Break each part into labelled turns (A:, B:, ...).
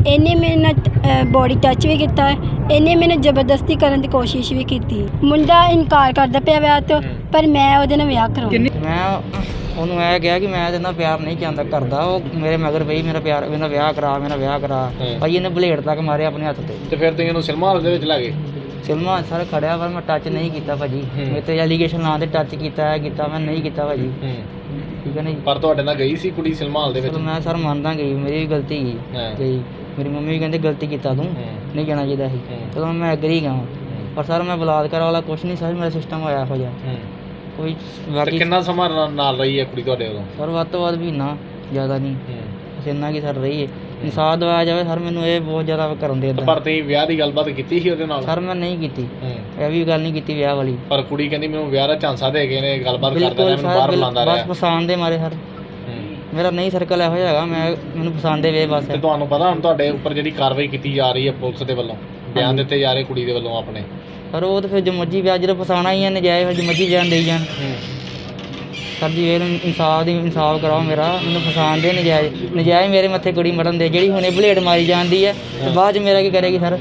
A: ਇਹਨੇ ਮੇਰੇ ਨਾਲ ਬੋਡੀ ਟੱਚ ਵੀ ਕੀਤਾ, ਇਹਨੇ ਮੈਨੂੰ ਜ਼ਬਰਦਸਤੀ ਕਰਨ ਦੀ ਕੋਸ਼ਿਸ਼ ਵੀ ਕੀਤੀ। ਮੁੰਡਾ ਇਨਕਾਰ ਕਰਦਾ ਪਿਆ ਵਿਆਹ ਤੋਂ, ਪਰ ਮੈਂ ਉਹਦੇ ਨਾਲ ਵਿਆਹ ਕਰਾਉਣਾ।
B: ਮੈਂ ਉਹਨੂੰ ਇਹ ਕਿਹਾ ਕਿ ਮੈਂ ਇਹਦੇ ਨਾਲ ਪਿਆਰ ਨਹੀਂ ਚਾਹੁੰਦਾ ਕਰਦਾ। ਉਹ ਮੇਰੇ ਮਗਰ ਪਈ ਮੇਰਾ ਵਿਆਹ ਕਰਾ ਭਾਈ ਇਹਨੇ ਬਲੇਡ ਤੱਕ ਮਾਰਿਆ ਆਪਣੇ ਹੱਥ ਤੇ
C: ਫਿਰ ਤੁਸੀਂ ਇਹਨੂੰ ਸਿਨੇਮਾ ਹਾਲ ਦੇ ਵਿੱਚ ਲੈ ਗਏ?
B: ਸਿਨੇਮਾ ਸਰ ਖੜਿਆ ਪਰ ਮੈਂ ਟੱਚ ਨਹੀਂ ਕੀਤਾ ਭਾਜੀ। ਮੇਰੇ ਤੇ ਐਲੀਗੇਸ਼ਨ ਨਾਂ ਤੇ ਟੱਚ ਕੀਤਾ ਮੈਂ ਨਹੀਂ ਕੀਤਾ ਭਾਜੀ। ਠੀਕ ਹੈ ਨਾ ਜੀ।
C: ਪਰ ਤੁਹਾਡੇ ਨਾਲ ਗਈ ਸੀ ਕੁੜੀ ਸਿਨੇਮਾ ਹਾਲ ਦੇ ਵਿੱਚ?
B: ਮੈਂ ਸਰ ਮੰਨਦਾ ਗਈ, ਮੇਰੀ ਵੀ ਗਲਤੀ ਗਈ। ਮੇਰੀ ਮੰਮੀ ਵੀ ਕਹਿੰਦੇ ਗਲਤੀ ਕੀਤਾ ਤੂੰ, ਨਹੀਂ ਜਾਣਾ ਚਾਹੀਦਾ ਸੀ। ਚਲੋ ਮੈਂ ਐਗਰੀ ਗਿਆ, ਪਰ ਸਰ ਮੈਂ ਬਲਾਤਕਾਰ ਵਾਲਾ ਕੁਛ ਨਹੀਂ ਸਰ, ਮੇਰਾ ਸਿਸਟਮ ਹੋਇਆ ਇਹੋ ਜਿਹਾ ਕੋਈ। ਬਾਕੀ
C: ਕਿੰਨਾ ਸਮਾਂ ਨਾਲ ਰਹੀ ਹੈ ਕੁੜੀ ਤੁਹਾਡੇ ਉਦੋਂ?
B: ਸਰ ਵੱਧ ਤੋਂ ਵੱਧ ਮਹੀਨਾ, ਜ਼ਿਆਦਾ ਨਹੀਂ, ਬਸ ਇੰਨਾ ਕੀ ਸਰ ਰਹੀ ਹੈ। ਇਨਸਾਫ ਦਿਵਾਇਆ ਜਾਵੇ ਸਰ, ਮੈਨੂੰ ਇਹ ਬਹੁਤ ਜ਼ਿਆਦਾ ਕਰਨ ਦੇ।
C: ਪਰ ਤੁਸੀਂ ਵਿਆਹ ਦੀ ਗੱਲਬਾਤ ਕੀਤੀ ਸੀ ਉਹਦੇ ਨਾਲ?
B: ਸਰ ਮੈਂ ਨਹੀਂ ਕੀਤੀ, ਇਹ ਵੀ ਗੱਲ ਨਹੀਂ ਕੀਤੀ ਵਿਆਹ ਵਾਲੀ।
C: ਪਰ ਕੁੜੀ ਕਹਿੰਦੀ ਮੈਨੂੰ ਵਿਆਹ ਦਾ ਝਾਂਸਾ ਦੇ ਗਏ ਨੇ, ਗੱਲਬਾਤ ਕਰਦਾ ਰਿਹਾ, ਮੈਨੂੰ ਬਾਹਰ ਬੁਲਾਉਂਦਾ ਰਿਹਾ।
B: ਬਸ ਪਸੰਦ ਦੇ ਮਾਰੇ ਸਰ, ਮੇਰਾ ਨਹੀਂ ਸਰਕਲ ਇਹੋ ਜਿਹਾ ਹੈਗਾ, ਮੈਨੂੰ ਪਸੰਦ ਦੇ ਵੇ ਬਸ।
C: ਤੇ ਤੁਹਾਨੂੰ ਪਤਾ ਹੁਣ ਤੁਹਾਡੇ ਉੱਪਰ ਜਿਹੜੀ ਕਾਰਵਾਈ ਕੀਤੀ ਜਾ ਰਹੀ ਹੈ ਪੁਲਿਸ ਦੇ ਵੱਲੋਂ, ਬਿਆਨ ਦਿੱਤੇ ਜਾ ਰਹੇ ਕੁੜੀ ਦੇ ਵੱਲੋਂ ਆਪਣੇ?
B: ਪਰ ਉਹ ਤਾਂ ਫਿਰ ਜੋ ਮਰਜ਼ੀ ਵਿਆਹ ਜਦੋਂ ਫਸਾਉਣਾ ਹੀ ਹੈ, ਨਜਾਇਜ਼ ਫਿਰ ਜੋ ਮਰਜ਼ੀ ਬਿਆਨ ਦੇਈ ਜਾਣ। ਸਰ ਜੀ ਇਹ ਇਨਸਾਫ ਕਰਾਓ ਮੇਰਾ, ਮੈਨੂੰ ਫਸਾਉਣ ਦੇ ਨਜਾਇਜ਼ ਮੇਰੇ ਮੱਥੇ ਕੁੜੀ ਮਰਨ ਦੇ। ਜਿਹੜੀ ਹੁਣੇ ਬਲੇਡ ਮਾਰੀ ਜਾਂਦੀ ਹੈ ਤੇ ਬਾਅਦ 'ਚ ਮੇਰਾ ਕੀ ਕਰੇਗੀ ਸਰ?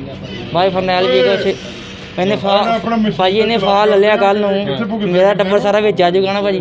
B: ਬਾਈ ਫਰਨੈਲ ਜੀ ਕੁਛ ਇਹਨੇ ਭਾਜੀ ਇਹਨੇ ਫਾਹ ਲੈ ਲਿਆ ਕੱਲ੍ਹ ਨੂੰ, ਮੇਰਾ ਟੱਬਰ ਸਾਰਾ ਵਿੱਚ ਆ ਜਾਊਗਾ ਨਾ ਭਾਜੀ।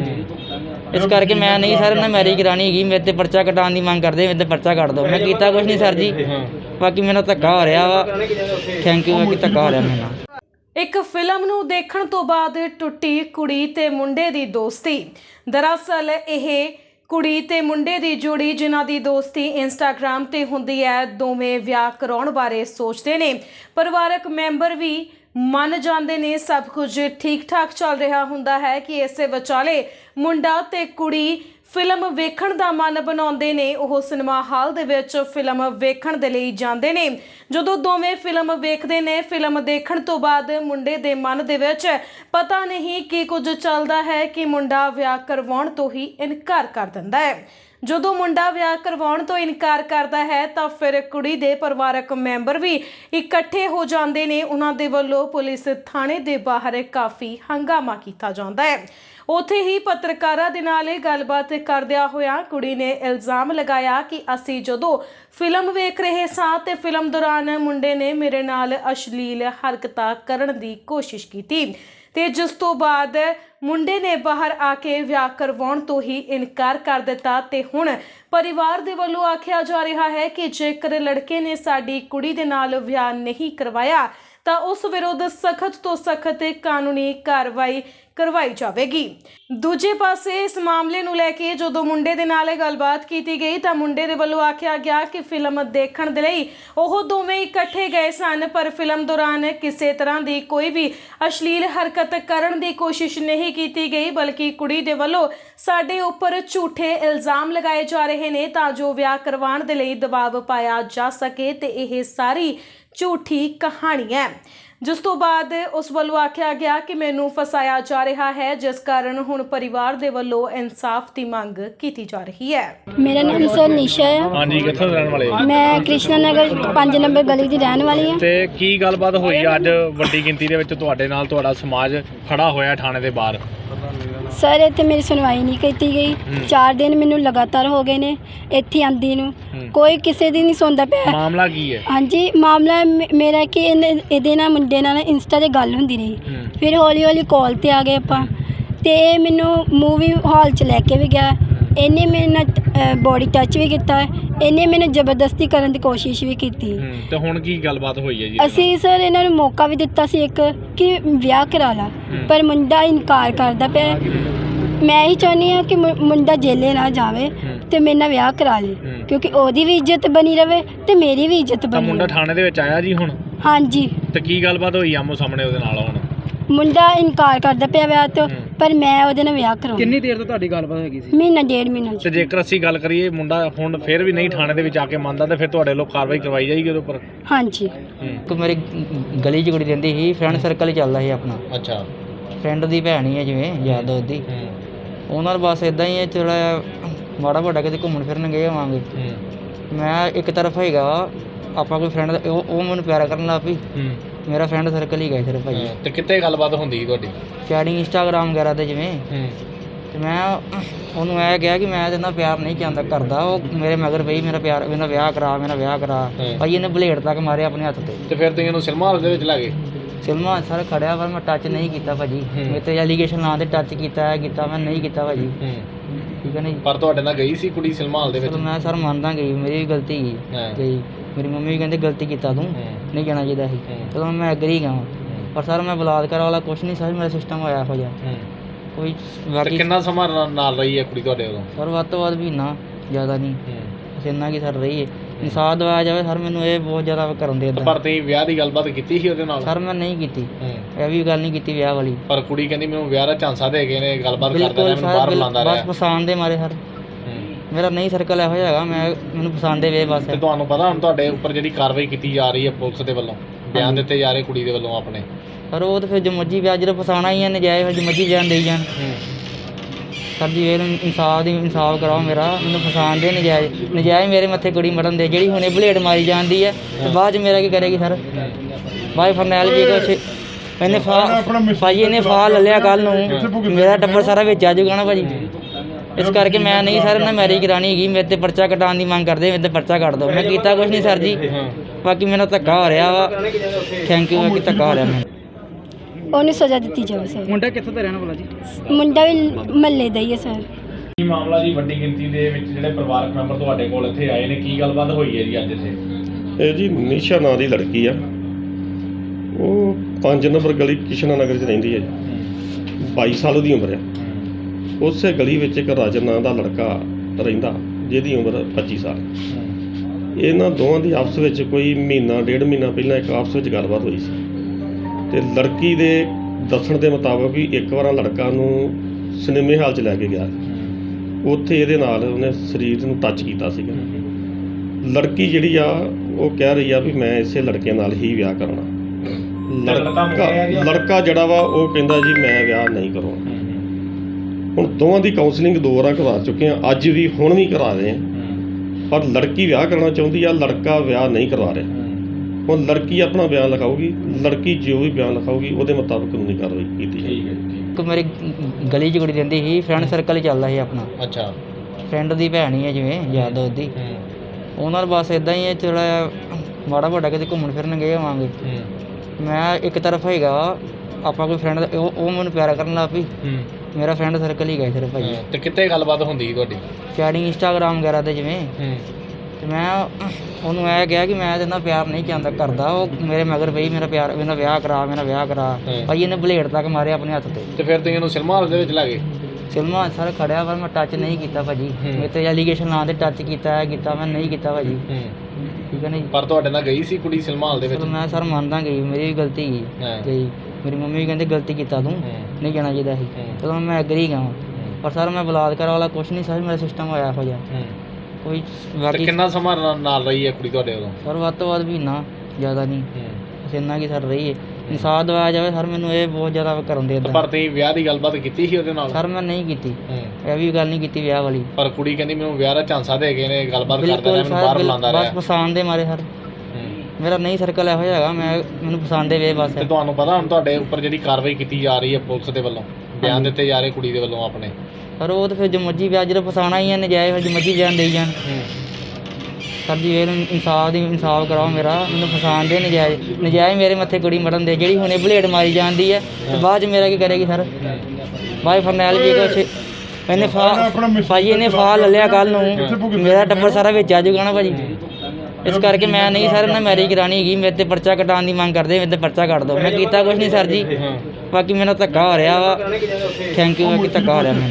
B: ਇਸ ਕਰਕੇ ਮੈਂ ਨਹੀਂ ਸਰ ਇਹਨਾਂ ਮੈਰਿਜ ਕਰਾਉਣੀ ਹੈਗੀ। ਮੇਰੇ 'ਤੇ ਪਰਚਾ ਕਟਾਉਣ ਦੀ ਮੰਗ ਕਰਦੇ, ਮੇਰੇ 'ਤੇ ਪਰਚਾ ਕੱਟ ਦਿਓ। ਮੈਂ ਕੀਤਾ ਕੁਛ ਨਹੀਂ ਸਰ ਜੀ, ਬਾਕੀ ਮੇਰਾ ਧੱਕਾ ਹੋ ਰਿਹਾ ਵਾ। ਥੈਂਕ ਯੂ, ਬਾਕੀ ਧੱਕਾ ਹੋ ਰਿਹਾ ਮੇਰੇ ਨਾਲ।
D: ਇੱਕ ਫਿਲਮ ਨੂੰ ਦੇਖਣ ਤੋਂ ਬਾਅਦ ਟੁੱਟੀ ਕੁੜੀ ਤੇ ਮੁੰਡੇ ਦੀ ਦੋਸਤੀ। ਦਰਅਸਲ ਇਹ ਕੁੜੀ ਤੇ ਮੁੰਡੇ ਦੀ ਜੋੜੀ ਜਿਨ੍ਹਾਂ ਦੀ ਦੋਸਤੀ ਇੰਸਟਾਗ੍ਰਾਮ ਤੇ ਹੁੰਦੀ ਹੈ, ਦੋਵੇਂ ਵਿਆਹ ਕਰਾਉਣ ਬਾਰੇ ਸੋਚਦੇ ਨੇ। ਪਰਿਵਾਰਕ ਮੈਂਬਰ ਵੀ ਮੰਨ ਜਾਂਦੇ ਨੇ, ਸਭ ਕੁਝ ਠੀਕ ਠਾਕ ਚੱਲ ਰਿਹਾ ਹੁੰਦਾ ਹੈ ਕਿ ਇਸੇ ਵਿਚਾਲੇ ਮੁੰਡਾ ਤੇ ਕੁੜੀ ਫਿਲਮ ਵੇਖਣ ਦਾ ਮਨ ਬਣਾਉਂਦੇ ਨੇ। ਉਹ ਸਿਨੇਮਾ ਹਾਲ ਦੇ ਵਿੱਚ ਫਿਲਮ ਵੇਖਣ ਦੇ ਲਈ ਜਾਂਦੇ ਨੇ। ਜਦੋਂ ਦੋਵੇਂ ਫਿਲਮ ਵੇਖਦੇ ਨੇ, ਫਿਲਮ ਦੇਖਣ ਤੋਂ ਬਾਅਦ ਮੁੰਡੇ ਦੇ ਮਨ ਦੇ ਵਿੱਚ ਪਤਾ ਨਹੀਂ ਕੀ ਕੁਝ ਚੱਲਦਾ ਹੈ ਕਿ ਮੁੰਡਾ ਵਿਆਹ ਕਰਵਾਉਣ ਤੋਂ ਹੀ ਇਨਕਾਰ ਕਰ ਦਿੰਦਾ ਹੈ। ਜਦੋਂ ਮੁੰਡਾ ਵਿਆਹ ਕਰਵਾਉਣ ਤੋਂ ਇਨਕਾਰ ਕਰਦਾ ਹੈ ਤਾਂ ਫਿਰ ਕੁੜੀ ਦੇ ਪਰਿਵਾਰਕ ਮੈਂਬਰ ਵੀ ਇਕੱਠੇ ਹੋ ਜਾਂਦੇ ਨੇ। ਉਹਨਾਂ ਦੇ ਵੱਲੋਂ ਪੁਲਿਸ ਥਾਣੇ ਦੇ ਬਾਹਰ ਕਾਫੀ ਹੰਗਾਮਾ ਕੀਤਾ ਜਾਂਦਾ ਹੈ। ਉੱਥੇ ਹੀ ਪੱਤਰਕਾਰਾਂ ਦੇ ਨਾਲ ਇਹ ਗੱਲਬਾਤ ਕਰਦਿਆਂ ਹੋਇਆਂ ਕੁੜੀ ਨੇ ਇਲਜ਼ਾਮ ਲਗਾਇਆ ਕਿ ਅਸੀਂ ਜਦੋਂ ਫਿਲਮ ਵੇਖ ਰਹੇ ਸਾਂ ਤੇ ਫਿਲਮ ਦੌਰਾਨ ਮੁੰਡੇ ਨੇ ਮੇਰੇ ਨਾਲ ਅਸ਼ਲੀਲ ਹਰਕਤਾਂ ਕਰਨ ਦੀ ਕੋਸ਼ਿਸ਼ ਕੀਤੀ ਤੇ ਜਿਸ ਤੋਂ ਬਾਅਦ ਮੁੰਡੇ ਨੇ ਬਾਹਰ ਆ ਕੇ ਵਿਆਹ ਕਰਵਾਉਣ ਤੋਂ ਹੀ ਇਨਕਾਰ ਕਰ ਦਿੱਤਾ। ਤੇ ਹੁਣ ਪਰਿਵਾਰ ਦੇ ਵੱਲੋਂ ਆਖਿਆ ਜਾ ਰਿਹਾ ਹੈ ਕਿ ਜੇਕਰ ਲੜਕੇ ਨੇ ਸਾਡੀ ਕੁੜੀ ਦੇ ਨਾਲ ਵਿਆਹ ਨਹੀਂ ਕਰਵਾਇਆ ਤਾਂ ਉਸ ਵਿਰੁੱਧ ਸਖਤ ਤੋਂ ਸਖਤ ਕਾਨੂੰਨੀ ਕਾਰਵਾਈ ਕਰਵਾਈ ਜਾਵੇਗੀ। ਦੂਜੇ ਪਾਸੇ ਇਸ ਮਾਮਲੇ ਨੂੰ ਲੈ ਕੇ ਜਦੋਂ ਮੁੰਡੇ ਦੇ ਨਾਲ ਗੱਲਬਾਤ ਕੀਤੀ ਗਈ ਤਾਂ ਮੁੰਡੇ ਦੇ ਵੱਲੋਂ ਆਖਿਆ ਗਿਆ ਕਿ ਫਿਲਮ ਦੇਖਣ ਦੇ ਲਈ ਉਹ ਦੋਵੇਂ ਇਕੱਠੇ ਗਏ ਸਨ, ਪਰ ਫਿਲਮ ਦੌਰਾਨ ਕਿਸੇ ਤਰ੍ਹਾਂ ਦੀ ਕੋਈ ਵੀ ਅਸ਼ਲੀਲ ਹਰਕਤ ਕਰਨ ਦੀ ਕੋਸ਼ਿਸ਼ ਨਹੀਂ ਕੀਤੀ ਗਈ, ਬਲਕਿ ਕੁੜੀ ਦੇ ਵੱਲੋਂ ਸਾਡੇ ਉੱਪਰ ਝੂਠੇ ਇਲਜ਼ਾਮ ਲਗਾਏ ਜਾ ਰਹੇ ਨੇ ਤਾਂ ਜੋ ਵਿਆਹ ਕਰਵਾਉਣ ਦੇ ਲਈ ਦਬਾਅ ਪਾਇਆ ਜਾ ਸਕੇ ਤੇ ਇਹ ਸਾਰੀ ਝੂਠੀ ਕਹਾਣੀ ਹੈ। ਜਿਸ ਤੋਂ ਬਾਅਦ ਉਸ ਵੱਲੋਂ ਆਖਿਆ ਗਿਆ ਕਿ ਮੈਨੂੰ ਫਸਾਇਆ ਜਾ ਰਿਹਾ ਹੈ, ਜਿਸ ਕਾਰਨ ਹੁਣ ਪਰਿਵਾਰ ਦੇ ਵੱਲੋਂ ਇਨਸਾਫ ਦੀ ਮੰਗ ਕੀਤੀ ਜਾ ਰਹੀ ਹੈ।
A: ਮੇਰਾ ਨਾਮ ਸਰ ਨਿਸ਼ਾ ਹੈ।
C: ਹਾਂਜੀ, ਕਿੱਥੋਂ ਰਹਿਣ ਵਾਲੇ?
A: ਮੈਂ ਕ੍ਰਿਸ਼ਨਾ ਨਗਰ 5 ਨੰਬਰ ਗਲੀ ਦੀ ਰਹਿਣ ਵਾਲੀ ਹਾਂ।
C: ਤੇ ਕੀ ਗੱਲਬਾਤ ਹੋਈ ਅੱਜ ਵੱਡੀ ਗਿਣਤੀ ਦੇ ਵਿੱਚ ਤੁਹਾਡੇ ਨਾਲ ਤੁਹਾਡਾ ਸਮਾਜ ਖੜਾ ਹੋਇਆ ਥਾਣੇ ਦੇ ਬਾਹਰ?
A: ਸਰ ਇੱਥੇ ਮੇਰੀ ਸੁਣਵਾਈ ਨਹੀਂ ਕੀਤੀ ਗਈ। 4 ਦਿਨ ਮੈਨੂੰ ਲਗਾਤਾਰ ਹੋ ਗਏ ਨੇ ਇੱਥੇ ਆਂਦੀ ਨੂੰ, ਕੋਈ ਕਿਸੇ ਦੀ ਨਹੀਂ ਸੁਣਦਾ ਪਿਆ।
C: ਮਾਮਲਾ ਕੀ ਹੈ?
A: ਹਾਂਜੀ, ਮਾਮਲਾ ਮੇਰਾ ਕਿ ਇਹਦੇ ਨਾਲ ਮੁੰਡੇ ਨਾਲ ਇੰਸਟਾ 'ਤੇ ਗੱਲ ਹੁੰਦੀ ਰਹੀ, ਫਿਰ ਹੌਲੀ ਹੌਲੀ ਕਾਲ 'ਤੇ ਆ ਗਏ ਆਪਾਂ, ਅਤੇ ਇਹ ਮੈਨੂੰ ਮੂਵੀ ਹਾਲ 'ਚ ਲੈ ਕੇ ਵੀ ਗਿਆ। ਇਹਨੇ ਮੇਰੇ ਨਾਲ ਬੋਡੀ ਟੱਚ ਵੀ ਕੀਤਾ, ਇਹਨੇ ਮੈਨੂੰ ਜ਼ਬਰਦਸਤੀ ਕਰਨ ਦੀ ਕੋਸ਼ਿਸ਼ ਵੀ ਕੀਤੀ।
C: ਤੇ ਹੁਣ ਕੀ ਗੱਲਬਾਤ ਹੋਈ ਹੈ ਜੀ?
A: ਅਸੀਂ ਸਰ ਇਹਨਾਂ ਨੂੰ ਮੌਕਾ ਵੀ ਦਿੱਤਾ ਸੀ ਇੱਕ ਕਿ ਵਿਆਹ ਕਰਾ ਲਾ, ਪਰ ਮੁੰਡਾ ਇਨਕਾਰ ਕਰਦਾ ਪਿਆ। ਮੈਂ ਹੀ ਚਾਹੁੰਦੀ ਹਾਂ ਕਿ ਮੁੰਡਾ ਜੇਲੇ ਨਾ ਜਾਵੇ ਤੇ ਮੇਰੇ ਨਾਲ ਵਿਆਹ ਕਰਾ ਲੇ, ਕਿਉਂਕਿ ਉਹਦੀ ਵੀ ਇੱਜ਼ਤ ਬਣੀ ਰਵੇ ਤੇ ਮੇਰੀ ਵੀ ਇੱਜ਼ਤ ਬਣੀ।
C: ਮੁੰਡਾ ਥਾਣੇ ਦੇ ਵਿੱਚ ਆਇਆ ਜੀ ਹੁਣ? ਹਾਂਜੀ। ਤੇ ਕੀ ਗੱਲਬਾਤ ਹੋਈ ਆਮੋ ਸਾਹਮਣੇ ਉਹਦੇ ਨਾਲ? ਹੁਣ
A: ਮੁੰਡਾ ਇਨਕਾਰ ਕਰਦਾ ਪਿਆ ਵਿਆਹ ਤੋਂ, ਪਰ ਮੈਂ ਉਹਦੇ ਨਾਲ ਵਿਆਹ ਕਰਾਉਣਾ।
B: ਕਿੰਨੀ ਦੇਰ ਤੋਂ ਤੁਹਾਡੀ ਗੱਲਬਾਤ ਹੈਗੀ ਸੀ?
A: ਮਹੀਨਾ 1.5 ਮਹੀਨਾ।
C: ਤੇ ਜੇਕਰ ਅਸੀਂ ਗੱਲ ਕਰੀਏ ਮੁੰਡਾ ਹੁਣ ਫਿਰ ਵੀ ਨਹੀਂ ਥਾਣੇ ਦੇ ਵਿੱਚ ਆ ਕੇ ਮੰਨਦਾ ਤੇ ਫਿਰ ਤੁਹਾਡੇ ਲੋਕ ਕਾਰਵਾਈ ਕਰਵਾਈ ਜਾਏਗੀ ਉਹਦੇ ਉੱਪਰ?
A: ਹਾਂਜੀ।
B: ਮੇਰੀ ਗਲੀ 'ਚ ਕੁੜੀ ਰਹਿੰਦੀ ਸੀ, ਫਰੈਂਡ ਸਰਕਲ ਹੀ ਚੱਲਦਾ ਸੀ ਆਪਣਾ।
C: ਅੱਛਾ।
B: ਫਰੈਂਡ ਦੀ ਭੈਣ ਹੀ ਹੈ ਜਿਵੇਂ ਯਾਰ ਦੋਸਤ ਦੀ, ਉਹਨਾਂ ਨਾਲ ਬਸ ਇੱਦਾਂ ਹੀ ਹੈ। ਥੋੜ੍ਹਾ ਮਾੜਾ ਮੋਟਾ ਕਿਤੇ ਘੁੰਮਣ ਫਿਰਨ ਗਏ ਹੋਵਾਂਗੇ। ਮੈਂ ਇੱਕ ਤਰਫ ਹੈਗਾ ਆਪਾਂ ਕੋਈ ਫਰੈਂਡ, ਉਹ ਮੈਨੂੰ ਪਿਆਰ ਕਰਨ ਲੱਗ ਪਈ। ਮੇਰਾ ਫਰੈਂਡ ਸਰਕਲ ਹੀ ਗਿਆ ਸਿਰਫ ਭਾਈ।
C: ਤੇ ਕਿੱਥੇ ਗੱਲਬਾਤ ਹੁੰਦੀ ਤੁਹਾਡੀ?
B: ਚੈਟਿੰਗ ਇੰਸਟਾਗ੍ਰਾਮ ਵਗੈਰਾ 'ਤੇ ਜਿਵੇਂ, ਤੇ ਮੈਂ ਉਹਨੂੰ ਇਹ ਕਿਹਾ ਕਿ ਮੈਂ ਇਹਦੇ ਨਾਲ ਪਿਆਰ ਨਹੀਂ ਚਾਹੁੰਦਾ ਕਰਦਾ। ਉਹ ਮੇਰੇ ਮਗਰ ਪਈ ਮੇਰਾ ਵਿਆਹ ਕਰਾ ਭਾਈ ਇਹਨੇ ਬਲੇਡ ਤੱਕ ਮਾਰੇ ਆਪਣੇ ਹੱਥ
C: ਤੇ ਫਿਰ ਤੁਸੀਂ ਇਹਨੂੰ ਸਿਨੇਮਾ ਹਾਲ ਦੇ ਵਿੱਚ ਲੈ ਗਏ?
B: ਸਿਲਮਾ ਸਰ ਖੜਿਆ ਪਰ ਮੈਂ ਟੱਚ ਨਹੀਂ ਕੀਤਾ ਭਾਜੀ। ਮੇਰੇ ਤੇ ਐਲੀਗੇਸ਼ਨ ਨਾਂ ਤੇ ਟੱਚ ਕੀਤਾ ਮੈਂ ਨਹੀਂ ਕੀਤਾ ਭਾਜੀ, ਠੀਕ ਹੈ ਨਾ ਜੀ।
C: ਪਰ ਤੁਹਾਡੇ ਨਾਲ ਗਈ ਸੀ ਕੁੜੀ ਸਿਨੇਮਾ ਹਾਲ ਦੇ ਵਿੱਚ?
B: ਚਲੋ ਮੈਂ ਸਰ ਮੰਨਦਾ ਗਈ, ਮੇਰੀ ਵੀ ਗਲਤੀ ਗਈ। ਮੇਰੀ ਮੰਮੀ ਵੀ ਕਹਿੰਦੇ ਗਲਤੀ ਕੀਤਾ ਤੂੰ, ਨਹੀਂ ਜਾਣਾ ਚਾਹੀਦਾ ਸੀ। ਚਲੋ ਮੈਂ ਐਗਰੀ ਗਿਆ, ਪਰ ਸਰ ਮੈਂ ਬਲਾਤਕਾਰ ਵਾਲਾ ਕੁਛ ਨਹੀਂ ਸਰ, ਮੇਰਾ ਸਿਸਟਮ ਹੋਇਆ ਇਹੋ ਜਿਹਾ ਕੋਈ। ਬਾਕੀ
C: ਕਿੰਨਾ ਸਮਾਂ ਨਾਲ ਰਹੀ ਹੈ ਕੁੜੀ ਤੁਹਾਡੇ ਉਦੋਂ?
B: ਸਰ ਵੱਧ ਤੋਂ ਵੱਧ ਮਹੀਨਾ, ਜ਼ਿਆਦਾ ਨਹੀਂ, ਬਸ ਇੰਨਾ ਕੀ ਸਰ ਰਹੀ ਹੈ। ਇਨਸਾਫ ਦਿਵਾਇਆ ਜਾਵੇ ਸਰ, ਮੈਨੂੰ ਇਹ ਬਹੁਤ ਜ਼ਿਆਦਾ ਕਰਨ ਦੇ।
C: ਪਰ ਤੁਸੀਂ ਵਿਆਹ ਦੀ ਗੱਲਬਾਤ ਕੀਤੀ ਸੀ ਉਹਦੇ ਨਾਲ?
B: ਸਰ ਮੈਂ ਨਹੀਂ ਕੀਤੀ, ਇਹ ਵੀ ਗੱਲ ਨਹੀਂ ਕੀਤੀ ਵਿਆਹ ਵਾਲੀ।
C: ਪਰ ਕੁੜੀ ਕਹਿੰਦੀ ਮੈਨੂੰ ਵਿਆਹ ਦਾ ਝਾਂਸਾ ਦੇ ਗਏ ਨੇ, ਗੱਲਬਾਤ ਕਰਦਾ ਰਿਹਾ, ਮੈਨੂੰ ਬਾਹਰ ਬੁਲਾਉਂਦਾ ਰਿਹਾ।
B: ਬਸ ਪਸੰਦ ਦੇ ਮਾਰੇ ਸਰ, ਮੇਰਾ ਨਹੀਂ ਸਰਕਲ ਇਹੋ ਜਿਹਾ ਹੈਗਾ, ਮੈਨੂੰ ਪਸੰਦ ਦੇ ਵੇ ਬਸ।
C: ਤੇ ਤੁਹਾਨੂੰ ਪਤਾ ਹੁਣ ਤੁਹਾਡੇ ਉੱਪਰ ਜਿਹੜੀ ਕਾਰਵਾਈ ਕੀਤੀ ਜਾ ਰਹੀ ਹੈ ਪੁਲਿਸ ਦੇ ਵੱਲੋਂ, ਬਿਆਨ ਦਿੱਤੇ ਜਾ ਰਹੇ ਕੁੜੀ ਦੇ ਵੱਲੋਂ ਆਪਣੇ?
B: ਸਰ ਉਹ ਤਾਂ ਫਿਰ ਜੋ ਮਰਜ਼ੀ ਵਿਆਹ ਜਦੋਂ ਫਸਾਉਣਾ ਹੀ ਹੈ, ਨਜਾਇਜ਼ ਜੋ ਮਰਜ਼ੀ ਬਿਆਨ ਦੇਈ ਜਾਣ। ਸਰ ਜੀ ਇਹ ਇਨਸਾਫ ਕਰਾਓ ਮੇਰਾ, ਮੈਨੂੰ ਫਸਾਉਣ ਦੇ ਨਜਾਇਜ਼ ਮੇਰੇ ਮੱਥੇ ਕੁੜੀ ਮੜਨ ਦੇ। ਜਿਹੜੀ ਹੁਣੇ ਬਲੇਡ ਮਾਰੀ ਜਾਂਦੀ ਹੈ ਤੇ ਬਾਅਦ 'ਚ ਮੇਰਾ ਕੀ ਕਰੇਗੀ ਸਰ? ਬਾਈ ਫਰਨੈਲ ਵੀ ਕੁਛ ਇਹਨੇ ਭਾਜੀ ਇਹਨੇ ਫਾਹ ਲੈ ਲਿਆ ਕੱਲ੍ਹ ਨੂੰ, ਮੇਰਾ ਟੱਬਰ ਸਾਰਾ ਵਿੱਚ ਆ ਜਾਊਗਾ ਨਾ ਭਾਜੀ। ਇਸ ਕਰਕੇ ਮੈਂ ਨਹੀਂ ਸਰ ਨਾ ਮੈਰਿਜ ਕਰਾਉਣੀ ਹੈਗੀ। ਮੇਰੇ ਤੇ ਪਰਚਾ ਕਟਾਉਣ ਦੀ ਮੰਗ ਕਰਦੇ, ਮੇਰੇ ਤੇ ਪਰਚਾ ਕੱਟ ਦਿਓ। ਮੈਂ ਕੀਤਾ ਕੁਛ ਨਹੀਂ ਸਰ ਜੀ, ਬਾਕੀ ਮੈਨੂੰ ਧੱਕਾ ਹੋ ਰਿਹਾ ਵਾ। ਥੈਂਕ ਯੂ ਕਿ ਧੱਕਾ ਹੋ ਰਿਹਾ ਮੈਨੂੰ।
A: ਉਹਨੂੰ ਸਜ਼ਾ ਦਿੱਤੀ ਜਾਵੇ ਸਰ।
B: ਮੁੰਡਾ ਕਿੱਥੋਂ ਦਾ ਰਹਿਣ ਵਾਲਾ ਜੀ?
A: ਮੁੰਡਾ ਵੀ ਮਹੱਲੇ ਦਾ ਹੀ ਹੈ ਸਰ।
C: ਕੀ ਮਾਮਲਾ ਜੀ? ਵੱਡੀ ਗਿਣਤੀ ਦੇ ਵਿੱਚ ਜਿਹੜੇ ਪਰਿਵਾਰਕ ਮੈਂਬਰ ਤੁਹਾਡੇ ਕੋਲ ਇੱਥੇ ਆਏ ਨੇ, ਕੀ ਗੱਲਬਾਤ ਹੋਈ ਹੈ ਜੀ ਅੱਜ ਇੱਥੇ?
E: ਇਹ ਜੀ ਨਿਸ਼ਾ ਨਾਂ ਦੀ ਲੜਕੀ ਆ, ਉਹ 5 ਨੰਬਰ ਗਲੀ ਕਿਸ਼ਨਾ ਨਗਰ 'ਚ ਰਹਿੰਦੀ ਹੈ ਜੀ। 22 ਸਾਲ ਦੀ ਉਮਰ ਆ। ਉਸੇ ਗਲੀ ਵਿੱਚ ਇੱਕ ਰਾਜਨ ਨਾਂ ਦਾ ਲੜਕਾ ਰਹਿੰਦਾ, ਜਿਹਦੀ ਉਮਰ 25 ਸਾਲ। ਇਹਨਾਂ ਦੋਵਾਂ ਦੀ ਆਪਸ ਵਿੱਚ ਕੋਈ ਮਹੀਨਾ ਡੇਢ ਮਹੀਨਾ ਪਹਿਲਾਂ ਇੱਕ ਆਪਸ ਵਿੱਚ ਗੱਲਬਾਤ ਹੋਈ ਸੀ, ਤੇ ਲੜਕੀ ਦੇ ਦੱਸਣ ਦੇ ਮੁਤਾਬਕ ਵੀ ਇੱਕ ਵਾਰ ਲੜਕਾ ਨੂੰ ਸਿਨੇਮੇ ਹਾਲ 'ਚ ਲੈ ਕੇ ਗਿਆ, ਉੱਥੇ ਇਹਦੇ ਨਾਲ ਉਹਨੇ ਸਰੀਰ ਨੂੰ ਟੱਚ ਕੀਤਾ ਸੀਗਾ। ਲੜਕੀ ਜਿਹੜੀ ਆ ਉਹ ਕਹਿ ਰਹੀ ਆ ਵੀ ਮੈਂ ਇਸੇ ਲੜਕੇ ਨਾਲ ਹੀ ਵਿਆਹ ਕਰਨਾ। ਲੜਕਾ ਜਿਹੜਾ ਵਾ ਉਹ ਕਹਿੰਦਾ ਜੀ ਮੈਂ ਵਿਆਹ ਨਹੀਂ ਕਰਾਉਣਾ। ਹੁਣ ਦੋਵਾਂ ਦੀ ਕਾਉਂਸਲਿੰਗ 2 ਵਾਰਾਂ ਕਰਵਾ ਚੁੱਕੇ ਆ, ਅੱਜ ਵੀ ਹੁਣ ਵੀ ਕਰਾ ਰਹੇ ਆ, ਪਰ ਲੜਕੀ ਵਿਆਹ ਕਰਨਾ ਚਾਹੁੰਦੀ ਆ, ਲੜਕਾ ਵਿਆਹ ਨਹੀਂ ਕਰਵਾ ਰਿਹਾ। ਹੁਣ ਲੜਕੀ ਆਪਣਾ ਬਿਆਨ ਲਿਖਾਊਗੀ, ਲੜਕੀ ਜੋ ਵੀ ਬਿਆਨ ਲਿਖਾਊਗੀ ਉਹਦੇ ਮੁਤਾਬਕ ਕਾਨੂੰਨੀ ਕਾਰਵਾਈ ਕੀਤੀ ਜਾਏਗੀ।
B: ਮੇਰੀ ਗਲੀ 'ਚ ਕੁੜੀ ਰਹਿੰਦੀ ਸੀ, ਫਰੈਂਡ ਸਰਕਲ ਹੀ ਚੱਲਦਾ ਸੀ ਆਪਣਾ।
C: ਅੱਛਾ।
B: ਫਰੈਂਡ ਦੀ ਭੈਣ ਹੀ ਹੈ ਜਿਵੇਂ ਯਾਰ ਦੋਸਤ ਦੀ, ਉਹਨਾਂ ਨਾਲ ਬਸ ਇੱਦਾਂ ਹੀ ਹੈ। ਥੋੜ੍ਹਾ ਮਾੜਾ ਮੋਟਾ ਕਿਤੇ ਘੁੰਮਣ ਫਿਰਨ ਗਏ ਹੋਵਾਂਗੇ। ਮੈਂ ਇੱਕ ਤਰਫ ਹੈਗਾ ਆਪਾਂ ਕੋਈ ਫਰੈਂਡ, ਉਹ ਮੈਨੂੰ ਪਿਆਰ ਕਰਨ ਲੱਗ ਪਈ। ਮੇਰਾ ਫਰੈਂਡ ਸਰਕਲ ਹੀ ਗਿਆ ਸਿਰਫ ਭਾਜੀ।
C: ਤੇ ਕਿੱਥੇ ਗੱਲਬਾਤ ਹੁੰਦੀ ਤੁਹਾਡੀ?
B: ਚੈਟਿੰਗ ਇੰਸਟਾਗ੍ਰਾਮ ਵਗੈਰਾ 'ਤੇ ਜਿਵੇਂ। ਤੇ ਮੈਂ ਉਹਨੂੰ ਇਹ ਕਿਹਾ ਕਿ ਮੈਂ ਇਹਦੇ ਨਾਲ ਪਿਆਰ ਨਹੀਂ ਚਾਹੁੰਦਾ ਕਰਦਾ। ਉਹ ਮੇਰੇ ਮਗਰ ਪਈ ਮੇਰਾ ਵਿਆਹ ਕਰਾ ਭਾਈ ਇਹਨੇ ਬਲੇਡ ਤੱਕ ਮਾਰੇ ਆਪਣੇ ਹੱਥ ਤੇ।
C: ਤੇ ਫਿਰ ਤੁਸੀਂ ਇਹਨੂੰ ਸਿਨੇਮਾ ਹਾਲ ਦੇ ਵਿੱਚ ਲੈ ਗਏ?
B: ਸਿਲਮਾ ਸਰ ਖੜਿਆ ਪਰ ਮੈਂ ਟੱਚ ਨਹੀਂ ਕੀਤਾ ਭਾਜੀ। ਮੇਰੇ ਤੇ ਐਲੀਗੇਸ਼ਨ ਨਾਂ ਤੇ ਟੱਚ ਕੀਤਾ ਮੈਂ ਨਹੀਂ ਕੀਤਾ ਭਾਜੀ, ਠੀਕ ਹੈ ਨਾ ਜੀ।
C: ਪਰ ਤੁਹਾਡੇ ਨਾਲ ਗਈ ਸੀ ਕੁੜੀ ਸਿਨੇਮਾ ਹਾਲ ਦੇ ਵਿੱਚ?
B: ਚਲੋ ਮੈਂ ਸਰ ਮੰਨਦਾ ਗਈ, ਮੇਰੀ ਵੀ ਗਲਤੀ ਗਈ। ਮੇਰੀ ਮੰਮੀ ਵੀ ਕਹਿੰਦੇ ਗਲਤੀ ਕੀਤਾ ਤੂੰ, ਨਹੀਂ ਜਾਣਾ ਚਾਹੀਦਾ ਸੀ। ਚਲੋ ਮੈਂ ਐਗਰੀ ਗਿਆ, ਪਰ ਸਰ ਮੈਂ ਬਲਾਤਕਾਰ ਵਾਲਾ ਕੁਛ ਨਹੀਂ ਸਰ, ਮੇਰਾ ਸਿਸਟਮ ਹੋਇਆ ਇਹੋ ਜਿਹਾ ਕੋਈ। ਬਾਕੀ
C: ਕਿੰਨਾ ਸਮਾਂ ਨਾਲ ਰਹੀ ਹੈ ਕੁੜੀ ਤੁਹਾਡੇ ਉਦੋਂ?
B: ਸਰ ਵੱਧ ਤੋਂ ਵੱਧ ਮਹੀਨਾ, ਜ਼ਿਆਦਾ ਨਹੀਂ, ਬਸ ਇੰਨਾ ਕੀ ਸਰ ਰਹੀ ਹੈ। ਇਨਸਾਫ ਦਿਵਾਇਆ ਜਾਵੇ ਸਰ, ਮੈਨੂੰ ਇਹ ਬਹੁਤ ਜ਼ਿਆਦਾ ਕਰਨ ਦੇ।
C: ਪਰ ਤੁਸੀਂ ਵਿਆਹ ਦੀ ਗੱਲਬਾਤ ਕੀਤੀ ਸੀ ਉਹਦੇ ਨਾਲ?
B: ਸਰ ਮੈਂ ਨਹੀਂ ਕੀਤੀ, ਇਹ ਵੀ ਗੱਲ ਨਹੀਂ ਕੀਤੀ ਵਿਆਹ ਵਾਲੀ।
C: ਪਰ ਕੁੜੀ ਕਹਿੰਦੀ ਮੈਨੂੰ ਵਿਆਹ ਦਾ ਝਾਂਸਾ ਦੇ ਗਏ ਨੇ, ਗੱਲਬਾਤ ਕਰਦਾ ਰਿਹਾ, ਮੈਨੂੰ ਬਾਹਰ ਬੁਲਾਉਂਦਾ ਰਿਹਾ।
B: ਬਸ ਪਸੰਦ ਦੇ ਮਾਰੇ ਸਰ, ਮੇਰਾ ਨਹੀਂ ਸਰਕਲ ਇਹੋ ਜਿਹਾ ਹੈਗਾ, ਮੈਨੂੰ ਪਸੰਦ ਦੇ ਵੇ ਬਸ।
C: ਤੇ ਤੁਹਾਨੂੰ ਪਤਾ ਹੁਣ ਤੁਹਾਡੇ ਉੱਪਰ ਜਿਹੜੀ ਕਾਰਵਾਈ ਕੀਤੀ ਜਾ ਰਹੀ ਹੈ ਪੁਲਿਸ ਦੇ ਵੱਲੋਂ, ਬਿਆਨ ਦਿੱਤੇ ਜਾ ਰਹੇ ਕੁੜੀ ਦੇ ਵੱਲੋਂ ਆਪਣੇ?
B: ਸਰ ਉਹ ਤਾਂ ਫਿਰ ਜੋ ਮਰਜ਼ੀ ਵਿਆਹ ਜਦੋਂ ਫਸਾਉਣਾ ਹੀ ਹੈ, ਨਜਾਇਜ਼ ਜੋ ਮਰਜ਼ੀ ਬਿਆਨ ਦੇਈ ਜਾਣ। ਸਰ ਜੀ ਇਹ ਇਨਸਾਫ ਕਰਾਓ ਮੇਰਾ, ਮੈਨੂੰ ਫਸਾਉਣ ਦੇ ਨਜਾਇਜ਼ ਮੇਰੇ ਮੱਥੇ ਕੁੜੀ ਮੜਨ ਦੇ। ਜਿਹੜੀ ਹੁਣੇ ਬਲੇਡ ਮਾਰੀ ਜਾਂਦੀ ਹੈ ਤੇ ਬਾਅਦ 'ਚ ਮੇਰਾ ਕੀ ਕਰੇਗੀ ਸਰ? ਬਾਈ ਫਰਨੈਲ ਵੀ ਕੁਛ ਇਹਨੇ ਭਾਜੀ ਇਹਨੇ ਫਾਹ ਲੈ ਲਿਆ ਕੱਲ੍ਹ ਨੂੰ, ਮੇਰਾ ਟੱਬਰ ਸਾਰਾ ਵਿੱਚ ਆ ਜਾਊਗਾ ਨਾ ਭਾਜੀ। ਇਸ ਕਰਕੇ ਮੈਂ ਨਹੀਂ ਸਰ ਨਾ ਮੈਰਿਜ ਕਰਾਉਣੀ ਹੈਗੀ। ਮੇਰੇ ਤੇ ਪਰਚਾ ਕਟਾਉਣ ਦੀ ਮੰਗ ਕਰਦੇ, ਮੇਰੇ ਤੇ ਪਰਚਾ ਕੱਟ ਦਿਓ। ਮੈਂ ਕੀਤਾ ਕੁਛ ਨਹੀਂ ਸਰ ਜੀ, ਬਾਕੀ ਮੈਨੂੰ ਧੱਕਾ ਹੋ ਰਿਹਾ ਵਾ। ਥੈਂਕ ਯੂ ਕਿ ਧੱਕਾ ਹੋ ਰਿਹਾ ਮੈਨੂੰ।